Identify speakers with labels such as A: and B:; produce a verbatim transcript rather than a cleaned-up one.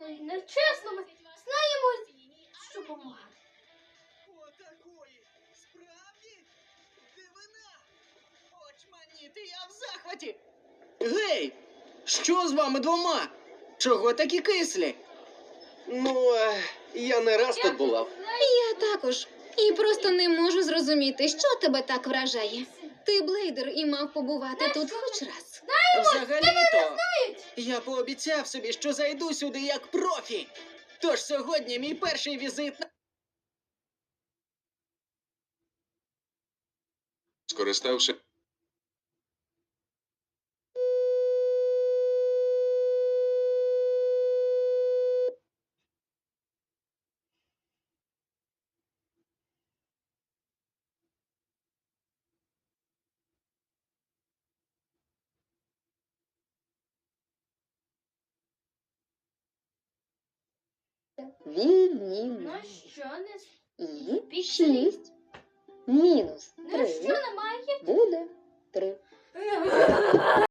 A: Ой, нечесно, ми знаємо, що помагати.
B: Отакої. Справді? Дивина. Очманіти, я в захваті. Гей! Що з вами двома? Чого такі кислі? Ну, е, я не раз тут була.
C: Я також. І просто не можу зрозуміти, що тебе так вражає. Ти блейдер і мав побувати тут хоч раз.
B: Взагалі-то, я пообіцяв собі, що зайду сюди як профі. Тож сьогодні мій перший візит на...
D: Скористався.
E: Віднімемо.
A: Ну що не
E: І
A: Пікселі.
E: шість мінус
A: Ну
E: три
A: що немає?
E: буде три.